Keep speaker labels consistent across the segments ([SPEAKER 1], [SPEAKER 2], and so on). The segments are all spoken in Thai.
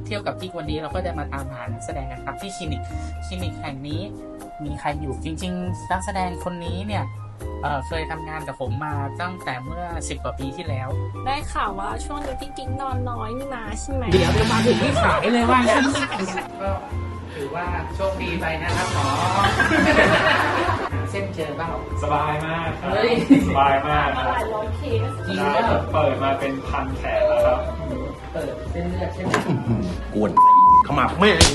[SPEAKER 1] เที่ยวกับกิ๊กวันนี้เราก็จะมาตามหานักแสดงกันครับที่คลินิกแห่งนี้มีใครอยู่จริงๆนักแสดงคนนี้เนี่ยเคยทำงานกับผมมาตั้งแต่เมื่อ10 กว่าปีที่แล้ว
[SPEAKER 2] ได้ข่าวว่าช่วงนี้พี่กิ๊กนอนน้อยนี่นะใช่ไหม
[SPEAKER 1] เดี๋ยวมาถึงที่ขายเลยว่างั้นก็ถือว่าโชคดีไปนะครับหมอเส้นเจอเปล่า
[SPEAKER 3] สบายมาก
[SPEAKER 1] เฮ้ย
[SPEAKER 3] สบายมาก
[SPEAKER 2] มาหลายร้อยเคส
[SPEAKER 1] จริง
[SPEAKER 3] ได้
[SPEAKER 1] แล้ว
[SPEAKER 3] เปิดมาเป็นพันแผลแล้วครับ
[SPEAKER 1] เปิดเส้นเลือดใช่ไหม
[SPEAKER 4] กวนขมับแม่ง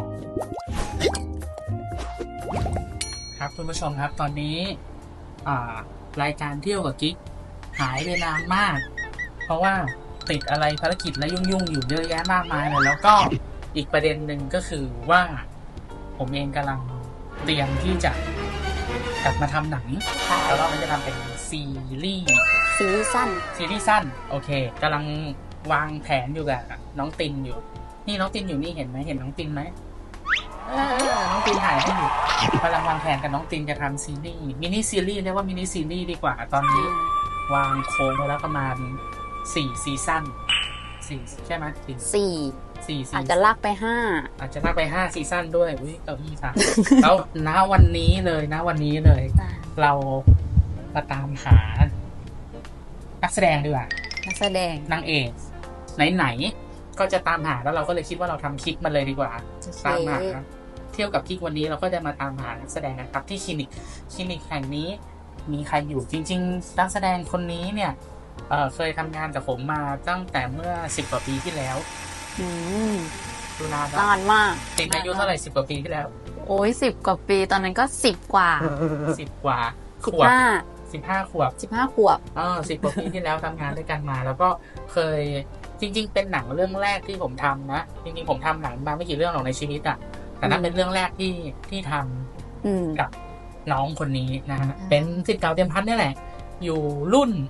[SPEAKER 1] ครับคุณผู้ชมครับตอนนี้รายการเที่ยวกับกิ๊กหายไปนานมาก เพราะว่าติดอะไรภารกิจและยุ่งอยู่เยอะแยะมากมายเลยแล้วก็อีกประเด็นหนึ่งก็คือว่าผมเองกำลังเตรียมที่จะกลับมาทำหนังแล้วเราจะทำเป็นซีรีส์สั้นโอเคกำลังวางแผนอยู่กับน้องตินอยู่นี่น้องตินอยู่นี่เห็นไหมเห็นน้องตินไหมน้องตินถ่ายให้อยู่กำลังวางแผนกับน้องตินจะทำซีรีส์มินิซีรีส์เรียกว่ามินิซีรีส์ดีกว่าตอนนี้วางโค้งไว้แล้วประมาณ4 ซีซั่น4ใช่ไหม4
[SPEAKER 5] อาจจะลากไป
[SPEAKER 1] 5 ซีซั่นด้วยอุ้ยเก้าอี้ค่ะ แล้วณวันนี้เลยเรามาตามหานักแสดงดีกว่า
[SPEAKER 5] นักแสดง
[SPEAKER 1] นางเอกไหนๆก็จะตามหาแล้วเราก็เลยคิดว่าเราทำคลิปมันเลยดีกว่าตามหาเที่ยวกับกิ๊กวันนี้เราก็จะมาตามหานักแสดงนะครับที่คลินิกแห่งนี้มีใครอยู่จริงๆนักแสดงคนนี้เนี่ยเคยทำงานกับผมมาตั้งแต่เมื่อ10 กว่าปีที่แล้วดูนาน
[SPEAKER 5] มาก
[SPEAKER 1] ติดอายุเท่าไหร่10 กว่าปีที่แล้ว
[SPEAKER 5] โอ้ย10 กว่าปีตอนนั้นก็10 กว่า
[SPEAKER 1] 10 กว่าขวบ15 ขวบ
[SPEAKER 5] 10 ก
[SPEAKER 1] ว่าปีที่แล้วทำงานด้วยกันมา แล้วก็เคยจริงๆเป็นหนังเรื่องแรกที่ผมทำนะจริงๆผมทำหนังมาไม่กี่เรื่องหรอกในชีวิตอ่ะแต่นั่นเป็นเรื่องแรกที่ทำกับน้องคนนี้นะฮะเป็นศิษย์เก่าเตรียมพัฒน์นี่แหละอยู่รุ่น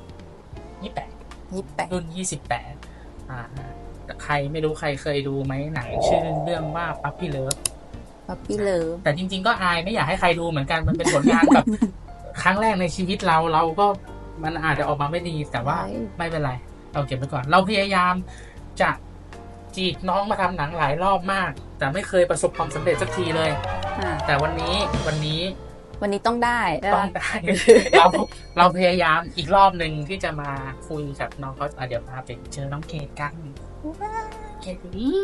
[SPEAKER 1] 28รุ่น28ใครไม่รู้ใครเคยดูไหมหนังชื่อเรื่องว่าปั๊ปปี้เลิฟแต่จริงๆก็อายไม่อยากให้ใครดูเหมือนกันมันเป็นผลงานแบบ ครั้งแรกในชีวิตเราก็มันอาจจะออกมาไม่ดีแต่ว่าไม่เป็นไรเราเก็บไว้ก่อนเราพยายามจะจีบน้องมาทำหนังหลายรอบมากแต่ไม่เคยประสบความสำเร็จสักทีเลยแต่วันนี้
[SPEAKER 5] ต้องได้
[SPEAKER 1] เราพยายามอีกรอบหนึ่งที่จะมาคุยกับน้องเขาเดี๋ยวพาไปเจอน้องเกดกันเกดนี่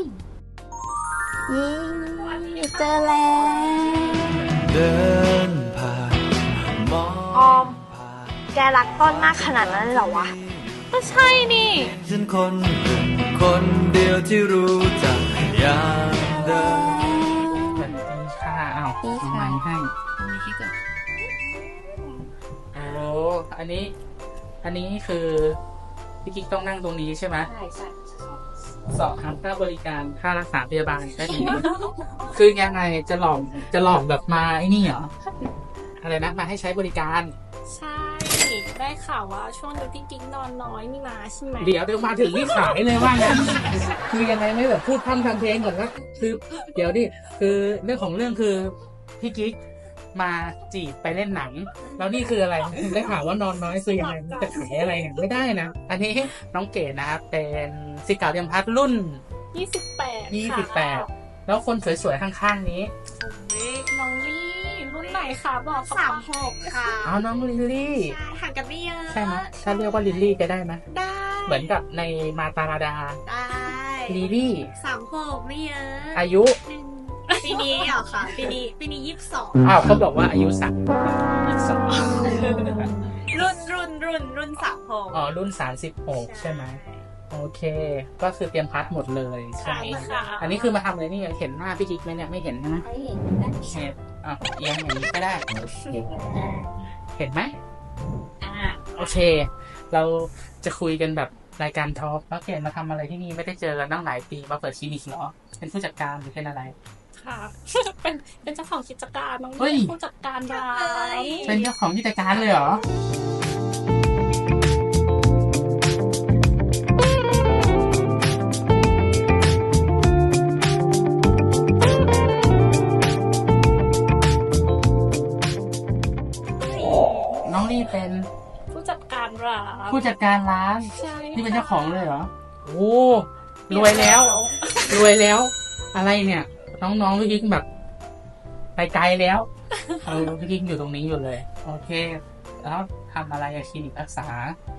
[SPEAKER 5] เจอแล้ว
[SPEAKER 4] เดินผ่านมอง
[SPEAKER 2] ออมแกรักต้นมากขนาดนั้นเหรอวะก็ใช่นี่
[SPEAKER 4] ฉันคนเดียวที่รู้จักอย่างเดิม
[SPEAKER 1] สวัสดีค่ะอ้าวไม้ให้โอ้อันนี้คือพี่กิ๊กต้องนั่งตรงนี้ใช่ไหมใช่สอบถามค่าบริการค่ารักษาพยาบาลได้ดี คือยังไงจะหลอกแบบมาไอ้นี่เหรออะไรนะมาให้ใช้บริการ
[SPEAKER 2] ใช่ได้ข่าวว่าช่วงนี้พี่กิ๊กนอนน้อยนี่นะใช่ไหม
[SPEAKER 1] เดี๋ยวมาถึงที่ขายเลยว่างั้นคือยังไงไม่แบบพูดทำเพลงก่อนนะคือเดี๋ยวดิคือเรื่องของเรื่องคือพี่กิ๊กมาจีบไปเล่นหนังแล้วนี่คืออะไรได้ข่าวว่านอนน้อยคือยังไงจะขายอะไรเนี่ยไม่ได้นะอันนี้น้องเกดนะครับเป็นศิษย์เก่าเตรียมพัฒน์รุ่น28แล้วคนสวยๆข้างๆนี้
[SPEAKER 2] น้องลี่รุ่นไหนคะบอก36ค่ะ
[SPEAKER 1] น้องลิลลี่
[SPEAKER 2] ห่างกันไม่เยอะ
[SPEAKER 1] ใช่ไหมถ้าเรียกว่าลิลลี่จะได้ไหม
[SPEAKER 2] ได้
[SPEAKER 1] เหมือนกับในมาตาราดา
[SPEAKER 2] ได้
[SPEAKER 1] ลิลลี่
[SPEAKER 2] 36ไม่เยอะ
[SPEAKER 1] อายุ
[SPEAKER 2] ปีนี้เหรอคะปีนี้22
[SPEAKER 1] เขาบอกว่าอายุ22
[SPEAKER 2] รุ่น36
[SPEAKER 1] รุ่น36ใช่ไหไหมโอเคก็คือเตรียมพัดหมดเลย
[SPEAKER 2] ใช่ค่ะ
[SPEAKER 1] อันนี้คือมาทำอะไรนี่เห็นหน้าพี่กิ๊กไหมเนี่ยไม่เห็นนะ
[SPEAKER 5] ไม่เห็น
[SPEAKER 1] เอียงอย่างนี้ก็ได้เห็นไหมโอเคเราจะคุยกันแบบรายการทอล์กแล้วเห็นมาทำอะไรที่นี่ไม่ได้เจอกันตั้งหลายปีมาเปิดคลินิกเหรอเป็นผู้จัดการหรือเป็นอะไร
[SPEAKER 2] ค่ะเป็นเจ้าของกิจการน้องผู้จัดการร้าย
[SPEAKER 1] เป็นเจ้าของกิจการเลยเหรอน้องนี่เป็น
[SPEAKER 2] ผู้จัดการร้าน
[SPEAKER 1] ใช่
[SPEAKER 2] นี่
[SPEAKER 1] เป็นเจ้าของเลยเหรอโอ้รวยแล้วรวยแล้ว อะไรเนี่ย น้องๆพี่กิ๊กแบบ ไปไกลแล้วพี่กิ๊กอยู่ตรงนี้อยู่เลย โอเค แล้วทำอะไรอะคลินิกรักษา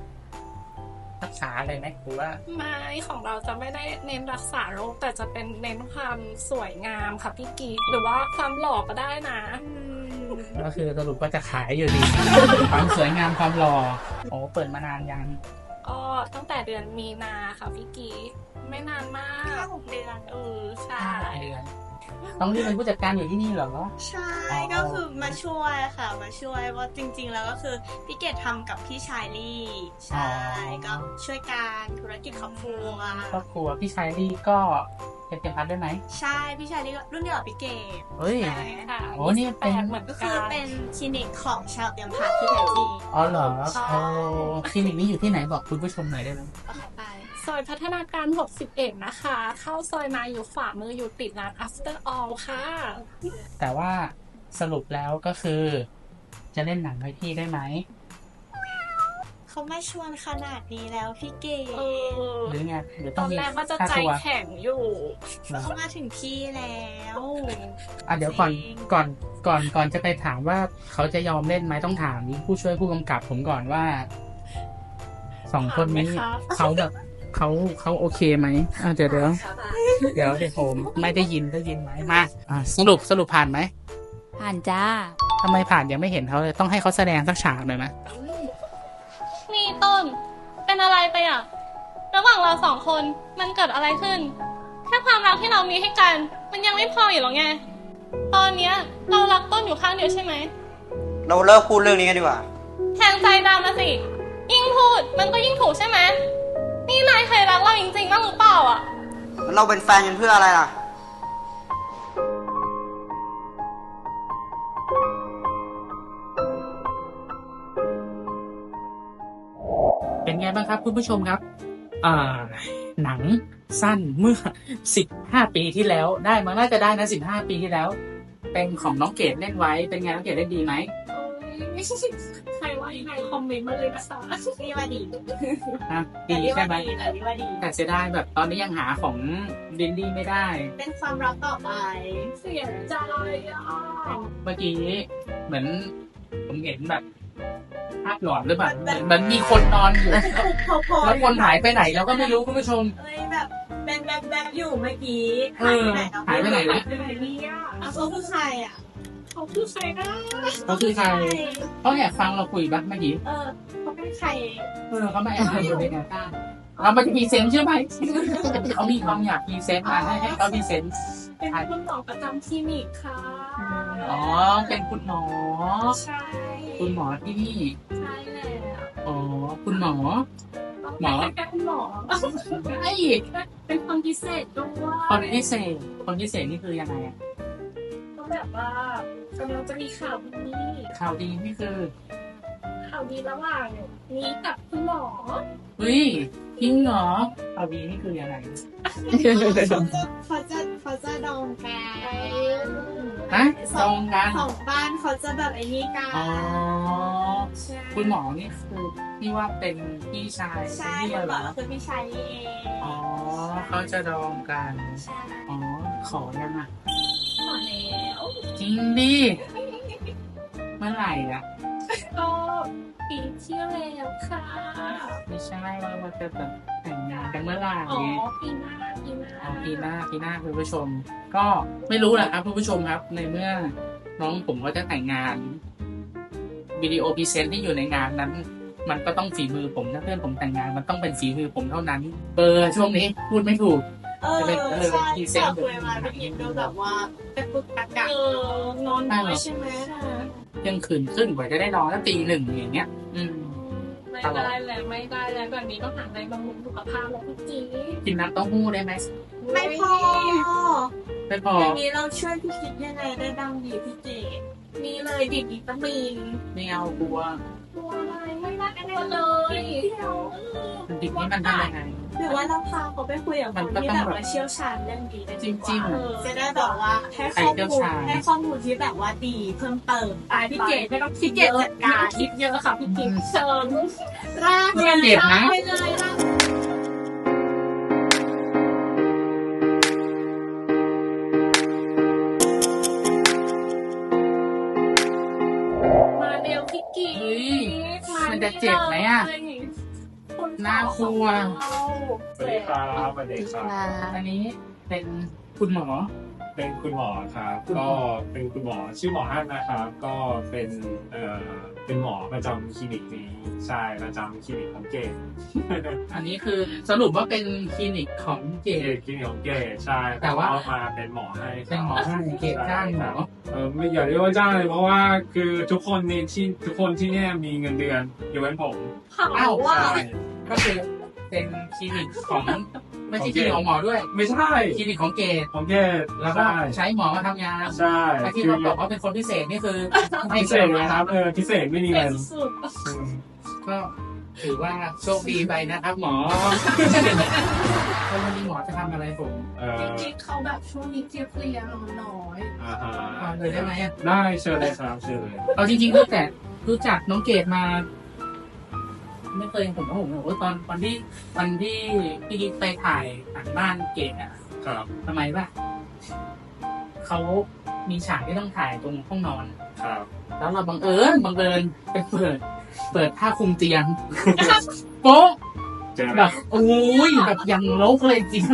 [SPEAKER 1] อะไรไหมหรือว่า
[SPEAKER 2] ไม่ของเราจะไม่ได้เน้นรักษาโรคแต่จะเป็นเน้นความสวยงามค่ะพี่กิ๊กหรือว่าความหล่อก็ได้นะ
[SPEAKER 1] ก็คือสรุปว่าจะขายอยู่ดี ความสวยงามความหล่อโอ้เปิดมานานยัง
[SPEAKER 2] ก็ตั้งแต่เดือนมีนาค่ะพี่กิ๊กไม่นานมาก
[SPEAKER 6] 6 เดือน
[SPEAKER 2] ใช่
[SPEAKER 1] 5 เดือนต้องรีบเป็นผู้จัดการอยู่ที่นี่เหรอ
[SPEAKER 6] ใช่ก็คือมาช่วยค่ะมาช่วยว่าจริง ๆ แล้วก็คือพี่เกดทำกับพี่ชายลี่ใช่ก็ช่วยการธุรกิจครอบครัว
[SPEAKER 1] ครอบครัวพี่ชายลี่ก็เป็นเตรียมพัดด้วยไหม
[SPEAKER 6] ใช่พี่ชายลี่ก็รุ่นเดียวกับพี่เกด
[SPEAKER 1] เฮ้ย
[SPEAKER 2] ใช่ค่ะ
[SPEAKER 1] โอ้นี่เป็น
[SPEAKER 2] แปดเหมือน
[SPEAKER 6] ก็
[SPEAKER 2] กั
[SPEAKER 6] คือน เป็นคลินิกของชาวเตรียมพัดที่แท้จริง
[SPEAKER 1] อ๋อเหรอ
[SPEAKER 6] ใช่
[SPEAKER 1] โอ้คลินิกนี้อยู่ที่ไหนบอกคุณผู้ชมหน่อยได้ไหม
[SPEAKER 6] เอาเข้าไป
[SPEAKER 2] ซอยพัฒนาการ 61 นะคะ เข้าซอยมาอยู่ขวามืออยู่ติดร้าน After All ค่ะ
[SPEAKER 1] แต่ว่าสรุปแล้วก็คือ จะเล่นหนังให้พี่ได้ไหม
[SPEAKER 6] เขาไม่ชวนขนาดนี้แล้วพี่เกด
[SPEAKER 1] หรือไงหรือ
[SPEAKER 2] ต
[SPEAKER 1] ต้อ
[SPEAKER 2] อง น
[SPEAKER 1] มี
[SPEAKER 2] แรกว่าจะ
[SPEAKER 1] ค่า
[SPEAKER 2] ใจ
[SPEAKER 1] ตัว
[SPEAKER 2] แข็งอยู่
[SPEAKER 1] เหรอ
[SPEAKER 6] เขามาถึงที่แล้ว
[SPEAKER 1] เดี๋ยวก่อนจะไปถามว่าเขาจะยอมเล่นไหมต้องถามผู้ช่วยผู้กำกับผมก่อนว่า2 คนนี้
[SPEAKER 2] ถามไหมครับ
[SPEAKER 1] เขาแบบเขาโอเคไหมเดี๋ยวผมไม่ได้ยินไหมมาสรุปผ่านไหม
[SPEAKER 5] ผ่านจ้า
[SPEAKER 1] ทำไมผ่านยังไม่เห็นเขาเลยต้องให้เขาแสดงสักฉากหน่อยไหม
[SPEAKER 2] นี่ต้น เป็นอะไรไปอ่ะ ระหว่างเราสองคนมันเกิดอะไรขึ้น แค่ความรักที่เรามีให้กัน มันยังไม่พออยู่หรอไง ตอนเนี้ยเรารักต้นอยู่ข้างเดียวใช่ไหม
[SPEAKER 7] เราเลิกพูดเรื่องนี้กันดีกว่า
[SPEAKER 2] แทงใจดำนะสิ ยิ่งพูดมันก็ยิ่งถูกใช่ไหม นี่นายเคยรักเราจริงๆบ้างหรือเปล่าอ่ะ
[SPEAKER 7] แล้วเราเป็นแฟนกันเพื่ออะไรล่ะ
[SPEAKER 1] เป็นไงบ้างครับคุณผู้ชมครับหนังสั้นเมื่อ15 ปีที่แล้วได้มาน่าจะได้นะ15 ปีที่แล้ว เป็นของน้องเกดเล่นไว้เป็นไงน้องเกดเล่นดีไหม
[SPEAKER 2] ใครว่ายังไงคอมเมนต์มาเลยนะคะ
[SPEAKER 6] นี่ว่าดี
[SPEAKER 1] ดีใช่ไหม
[SPEAKER 6] แต่นี่ว่าดี
[SPEAKER 1] แต่เสียดายแบบตอนนี้ยังหาของดินดี้ไม่ได้
[SPEAKER 6] เป็นความรักต่อไป
[SPEAKER 2] เสียใจอ่ะ
[SPEAKER 1] เมื่อกี้เหมือนผมเห็นแบบภาพหลอนหรือเปล่าเหมือนมีคนนอนอยู่ แล้วคนหายไปไหนเราก็ไม่รู้คุณผู้ชม
[SPEAKER 6] เอ้ยแบบเป็นแบบอยู่เมื่อกี้
[SPEAKER 1] หายไปไหนนะ
[SPEAKER 2] เป็นไรเนี่ย
[SPEAKER 6] เขาคือใครอ่ะ
[SPEAKER 2] เขาคือใครนะ
[SPEAKER 1] เขาคือใครเขาแอบฟังเราคุยบ้างเมื่อกี้
[SPEAKER 6] เขาเป็นใคร
[SPEAKER 1] เขาไม่แอบอยู่ในแนวตั้งเรามาจะพรีเซนต์ใช่ไหมเขามีความอยากพรีเซนต์มาให้เขาพรีเซนต์
[SPEAKER 2] เป็นคุณหมอประจำคลินิกค่ะ
[SPEAKER 1] อ๋อเป็นคุณหมอ
[SPEAKER 2] ใช่
[SPEAKER 1] คุณหมอที่นี่
[SPEAKER 2] ใช่แล้ว
[SPEAKER 1] อ๋อคุณหมอ หมอ
[SPEAKER 2] เป็นคุณหมอ
[SPEAKER 1] ไอ้
[SPEAKER 2] เป็นคนพิเศษด้วย
[SPEAKER 1] คนพิเศษนี่คือยังไงอะ
[SPEAKER 2] ก็แบบว่ากำลังจะมีข่าวดี
[SPEAKER 1] ข่าวดีนี่คือ
[SPEAKER 2] ข่าวดีระหว่างนี้กับคุณหมอ
[SPEAKER 1] เฮ้ยจริงเหรอข่าวดีนี่คือยังไง
[SPEAKER 6] เขาจะดองกัน
[SPEAKER 1] ฮะตรงกัน
[SPEAKER 6] สองบ้านเขาจะแบบไอ้นี่กัน
[SPEAKER 1] อ๋อ
[SPEAKER 6] ใช่
[SPEAKER 1] คุณหมอนี่คือที่ว่าเป็นพี่ชาย
[SPEAKER 6] ใช่
[SPEAKER 1] ที่
[SPEAKER 6] คุณห
[SPEAKER 1] เห
[SPEAKER 6] ม
[SPEAKER 1] ร
[SPEAKER 6] อ
[SPEAKER 1] อ
[SPEAKER 6] ก็คือพี่ชายนี่เอง
[SPEAKER 1] อ๋อเขาจะดองกัน
[SPEAKER 6] ใช่
[SPEAKER 1] อ๋อขอยังอ่ะ
[SPEAKER 2] ขอแล้ว
[SPEAKER 1] จริงดิเมื่อไหร่อ่ะ
[SPEAKER 2] ก็ปีที่แล้วค่ะ
[SPEAKER 1] ไม่ใช่ว่าจะแบบแต่งงานกันเมื่อไหร่
[SPEAKER 2] อ๋อปีหน้า
[SPEAKER 1] อ๋อปีหน้าคุณผู้ชม ก็ไม่รู้แหละครับคุณผู้ชมครับ ในเมื่อน้องผมก็จะแต่งงานวิดีโอพรีเซนต์ที่อยู่ในงานนั้น มันก็ต้องฝีมือผมถ้าเพื่อนผมแต่งงานมันต้องเป็นฝีมือผมเท่านั้นช่วงนี้พูดไม่ถูก
[SPEAKER 6] ใช่
[SPEAKER 1] พรีเซนต์
[SPEAKER 6] คุยมาพี่พิมดูแบบว่าเป็นปึกตะกะ
[SPEAKER 2] นอนน้อยใช่ไหม
[SPEAKER 1] เที่ยงคืนครึ่งกว่าจะได้นอนแล้วตี 1อย่างเงี้ย
[SPEAKER 2] ไม่ได้แล้วแบบนี้ต้องหาอะไรบำรุงสุขภาพแล้วพี่จี
[SPEAKER 1] กินน้ำเต้าหู้ได้ไหม
[SPEAKER 6] ไม่พอ
[SPEAKER 1] ไม่พอ
[SPEAKER 6] อย่างนี้เราช่วยพี่คิดยังไงได้ดังดีพี่เจ
[SPEAKER 2] มีเลยดิบวิตามิน
[SPEAKER 1] ไม่เอากลัว
[SPEAKER 2] ตัวอะไรไม่น่ากลัวเลย
[SPEAKER 1] ดิบนี้มันทำยังไง
[SPEAKER 6] หรือว่าเราพาเขาไปคุยกับคนที่แบบว่าเชี่ยวชาญเรื่องนี้ได้ดีกว่า
[SPEAKER 1] จริง
[SPEAKER 6] จะได้แบบว่าให้ข้อมูลที่แบบว่าดีเพิ่มเติม
[SPEAKER 2] พี่เกดไม่ต้องคิดเยอะจัดการคิดเยอะค่ะพี่กิ๊กเชิญ
[SPEAKER 6] ราก
[SPEAKER 1] ไม่เจ็บนะ
[SPEAKER 6] ไปเลยราก
[SPEAKER 1] จะเจ็บไหมอ่ะ น่ากลัว
[SPEAKER 3] สวัสดีครับสวัสดีครับ
[SPEAKER 1] อันนี้เป็นคุณหมอ
[SPEAKER 3] เป็นคุณหมอครับ ก็เป็นคุณหมอชื่อหมอฮั่นนะครับ ก็เป็นเป็นหมอประจำคลินิกนี้ใช่ประจำคลินิกของเกด
[SPEAKER 1] อันนี้คือสรุปว่าเป็นคลินิกของเก
[SPEAKER 3] คลินิกของเกดใช่
[SPEAKER 1] แต่ว่า
[SPEAKER 3] เอมาเป็นหมอให้ครับ
[SPEAKER 1] เป็นหมอให้เกดจ้างหมอ
[SPEAKER 3] ไม่อย่าเรียกว่าจ้างเลยเพราะว่าคือทุกคนที่เนี่ยมีเงินเดือนยกเว้นผม
[SPEAKER 1] อ้าว
[SPEAKER 3] ใช่
[SPEAKER 1] ก็คือเป็นคลินิกของไม่ใช่คลินิกของหมอด้วย
[SPEAKER 3] ไม่ใช่
[SPEAKER 1] คลินิกของเกด
[SPEAKER 3] ของเกด
[SPEAKER 1] แล้วก็ใช้หมอมาทำงาน
[SPEAKER 3] ใช่
[SPEAKER 1] ไอ้ที่เราบอกว่าเป็นคนพิเศษนี่คือไม่
[SPEAKER 3] พิเศษนะครับพิเศษไม่มีเงินอืม
[SPEAKER 1] ก็ถือว่าโชคดีไปนะครับหมอแล้ววันนี้หมอจะทำอะไรผม
[SPEAKER 8] จริงๆเขาแบบช่วงนี้เพลียๆนอนน้อย
[SPEAKER 3] อ่าฮะ
[SPEAKER 1] เอาเลยได้ไหมอะ
[SPEAKER 3] ได้เชิญเลยครับเชิญเลย
[SPEAKER 1] เอาจริงๆตั้งแต่รู้จักน้องเกดมา ไม่เคยผมบอกว่าตอนที่พี่กิ๊กไปถ่ายหนังบ้านเกดอ่ะ
[SPEAKER 3] ครับ
[SPEAKER 1] ทำไมป่ะเขามีฉากที่ต้องถ่ายตรงห้องนอน
[SPEAKER 3] ครับ
[SPEAKER 1] แล้วเราบังเอิญไปเปิดผ้าคลุมเตียง โป๊ะ
[SPEAKER 3] เจอ
[SPEAKER 1] แบ
[SPEAKER 3] แล้ว
[SPEAKER 1] บโอ้ยแบบยังลกเลยจริง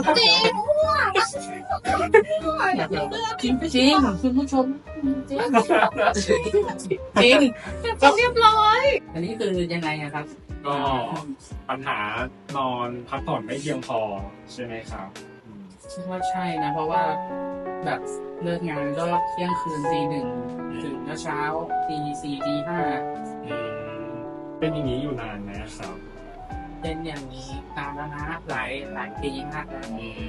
[SPEAKER 1] จริงจริงคุณผู้ชมจริงจริง
[SPEAKER 2] จะเรียบร้อย
[SPEAKER 1] อันนี้คือยังไงอะครับ
[SPEAKER 3] ก็ปัญหานอนพักผ่อนไม่เพียงพอใช่ไหมครับอืม
[SPEAKER 1] คิดว่าใช่นะ เพราะว่าแบบเลิกงานก็เที่ยงคืนตี 1ถึงเช้าตี 4ตี
[SPEAKER 3] อืมเป็นอย่างนี้อยู่นานไหมครับ
[SPEAKER 1] 5เป็นอย่างนี้ตามแล้วนะหลายปีมากแล้ว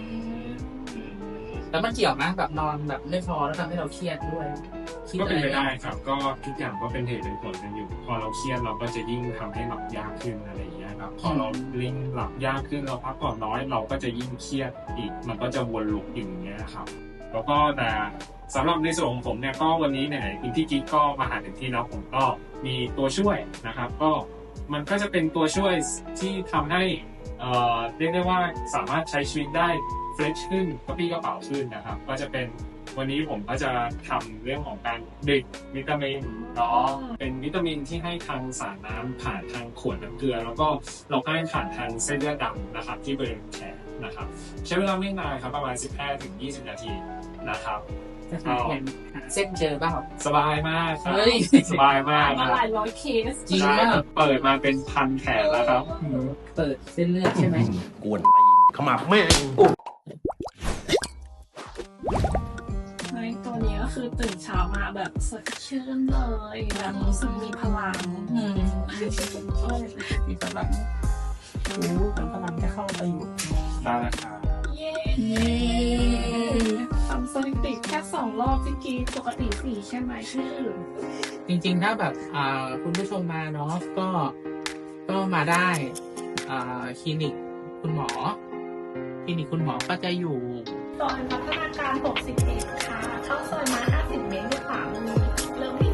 [SPEAKER 1] แล้วมันเกี่ยวนะแบบนอนแบบไม่พอแล้วทำให้เราเครียดด้วยคิด
[SPEAKER 3] ก็
[SPEAKER 1] อะ
[SPEAKER 3] เป็น
[SPEAKER 1] ไร
[SPEAKER 3] ไปได้ครับ ก็ทุกอย่างก็เป็นเหตุเป็นผลกันอยู่ พอเราเครียดเราก็จะยิ่งทำให้หลับยากขึ้นอะไรอย่างเงี้ยครับพอเราลิ่งหลับยากขึ้นเราพักผ่อนน้อยเราก็จะยิ่งเครียดอีกมันก็จะวนลูปอย่างเงี้ยครับ แล้วก็แต่สำหรับในส่วนของผมเนี่ยก็วันนี้เนี่ยคุณพี่กิ๊กก็มาหาถึงที่แล้วผมก็มีตัวช่วยนะครับ ก็มันก็จะเป็นตัวช่วยที่ทำให้เรียกได้ว่าสามารถใช้ชีวิตได้เฟรชขึ้นกระปรี้กระเป๋าขึ้นนะครับ ก็จะเป็นวันนี้ผมก็จะทำเรื่องของการดื่มวิตามินเนาะเป็นวิตามินที่ให้ทางสารน้ำผ่านทางขวดน้ำเกลือ แล้วก็เราก็ให้ผ่านทางเส้นเลือดดำนะครับ ที่บริเวณแขนนะครับ ใช้เวลาไม่นานครับประมาณ 15-20 นาทีนะครับ
[SPEAKER 1] จะหาเส้นเจอเปล่า
[SPEAKER 3] สบายมากครับ
[SPEAKER 1] เฮ้ย
[SPEAKER 3] สบายมาก
[SPEAKER 8] มา
[SPEAKER 3] นะ
[SPEAKER 8] หลายร้อยเคส
[SPEAKER 1] จริง
[SPEAKER 3] ใช่
[SPEAKER 1] มาก
[SPEAKER 3] เปิดมาเป็นพันแขนแล้วครับ
[SPEAKER 1] เปิดเส้นเลือดใช่ไหม
[SPEAKER 9] กวนตีนขมับแม่ง
[SPEAKER 8] เฮ้ยตัวนี้ก็คือตื่นเช้ามาแบบสดชื่นเลยแบบรู้สึกมีพลัง
[SPEAKER 1] มีพลังแต่พลังจะเข้าไปอยู่
[SPEAKER 3] ได้แล้วครับ
[SPEAKER 8] เย้ทำสถิติแค่2 รอบที่กี้ปกติ4ใช่ไหมชื่อ
[SPEAKER 1] จริงๆถ้าแบบคุณผู้ชมมาเนาะก็มาได้คลินิกคุณหมอก็จะอยู่
[SPEAKER 8] ซอยพัฒนาการ61ค่ะเข้าซอยมา50 เมตรด้วยขวามือเริ่มที่